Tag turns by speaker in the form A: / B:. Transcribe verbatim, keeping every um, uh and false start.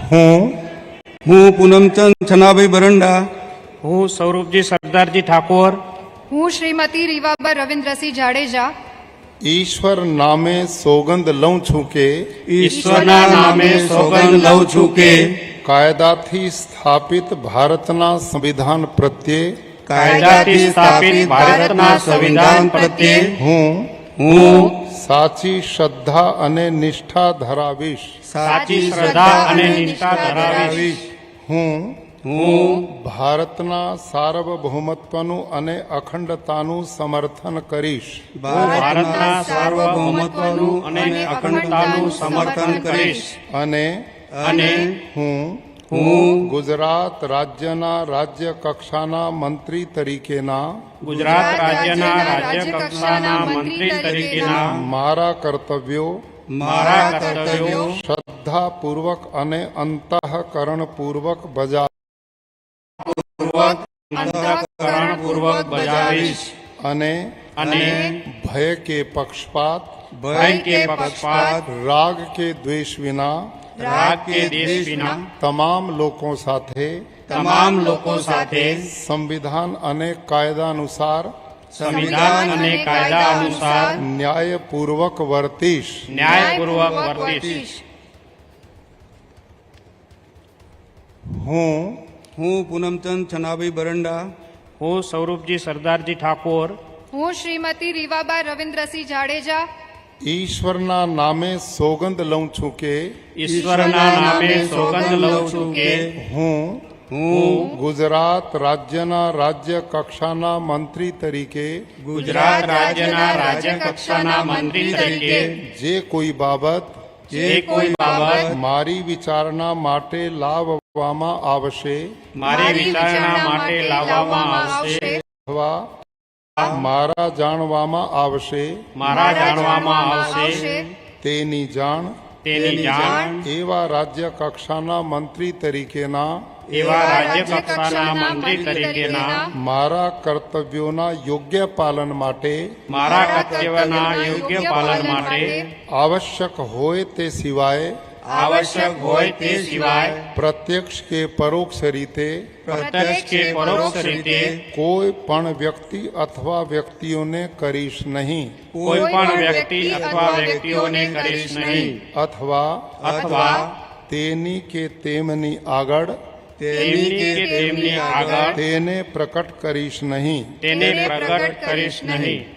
A: હું
B: હું પૂનમચંદ છનાભાઈ બરંડા
C: હું સૌરભજી સરદારજી ઠાકોર
D: હું શ્રીમતી રીવાબા રવિન્દ્રસિંહ જાડેજા
A: ઈશ્વર નામે સોગંદ લઉં છું કે
B: ઈશ્વરના નામે સોગંદ લઉં છું કે
A: કાયદાથી સ્થાપિત ભારતના સંવિધાન પ્રત્યે
C: કાયદાથી સ્થાપિત ભારતના સંવિધાન પ્રત્યે
A: હું
B: હું
A: સાચી શ્રદ્ધા અને નિષ્ઠા ધરાવીશ
C: સાચી શ્રદ્ધા અને નિષ્ઠા ધરાવીશ.
A: હું
B: હું
A: ભારતના સાર્વભૌમત્વનું અને અખંડતાનું સમર્થન કરીશ
B: ભારતના સાર્વભૌમત્વનું અને અખંડતાનું સમર્થન કરીશ
A: અને
B: અને
A: હું
B: હું
A: ગુજરાત રાજ્યના રાજ્ય કક્ષાના મંત્રી તરીકેના
C: ગુજરાત રાજ્યના રાજ્ય કક્ષાના મંત્રી તરીકેના
A: મારા કર્તવ્યો
C: મારા કર્તવ્યો
A: શ્રદ્ધાપૂર્વક અને અંતઃકરણપૂર્વક બજા
C: અંતઃકરણપૂર્વક બજાવીશ
A: અને
C: અને
A: ભય કે પક્ષપાત
B: ભય
C: કે પક્ષપાત
A: રાગ કે દ્વેષ વિના
C: રાગ કે દેશ વિના
A: તમામ લોકો સાથે
C: તમામ લોકો સાથે
A: સંવિધાન અને કાયદા અનુસાર
C: સંવિધાન અને કાયદા અનુસાર
A: ન્યાયપૂર્વક વર્તીશ
C: ન્યાયપૂર્વક વર્તીશ.
A: હું
B: હું પૂનમચંદ છનાભાઈ બરંડા
C: હું સૌરભજી સરદારજી ઠાકોર
D: હું શ્રીમતી રીવાબા રવિન્દ્રસિંહ જાડેજા
A: ઈશ્વરના નામે સોગંદ લઉં છું કે
C: ઈશ્વરના નામે સોગંદ લઉં છું કે
A: હું
B: હું
A: ગુજરાત રાજ્યના રાજ્ય કક્ષાના મંત્રી તરીકે
C: ગુજરાત રાજ્યના રાજ્ય કક્ષાના મંત્રી તરીકે
A: જે કોઈ બાબત
C: જે કોઈ બાબત
A: મારી વિચારણા માટે લાવવામાં આવશે
C: મારી વિચારણા માટે લાવવામાં આવશે
A: અથવા મારા જાણવામાં આવશે
C: મારા જાણવામાં આવશે
A: તેની જાણ
C: તેની જાણ
A: એવા રાજ્ય કક્ષાના મંત્રી તરીકેના
C: એવા રાજ્ય કક્ષાના મંત્રી તરીકેના
A: મારા કર્તવ્યોના યોગ્ય પાલન માટે
C: મારા કર્તવ્યના યોગ્ય પાલન માટે
A: આવશ્યક હોય તે સિવાય
C: આવશ્યક હોય તે સિવાય
A: પ્રત્યક્ષ કે પરોક્ષ રીતે
C: પ્રત્યક્ષ કે પરોક્ષ રીતે
A: કોઈ પણ વ્યક્તિ અથવા વ્યક્તિઓને કરીશ નહીં
C: કોઈ પણ વ્યક્તિ અથવા વ્યક્તિઓને કરીશ નહીં
A: અથવા
C: અથવા
A: તેની કે તેમની આગળ
C: તેમની કે તેમની આગળ
A: તેને પ્રકટ કરીશ નહીં
C: તેને પ્રગટ કરીશ નહીં.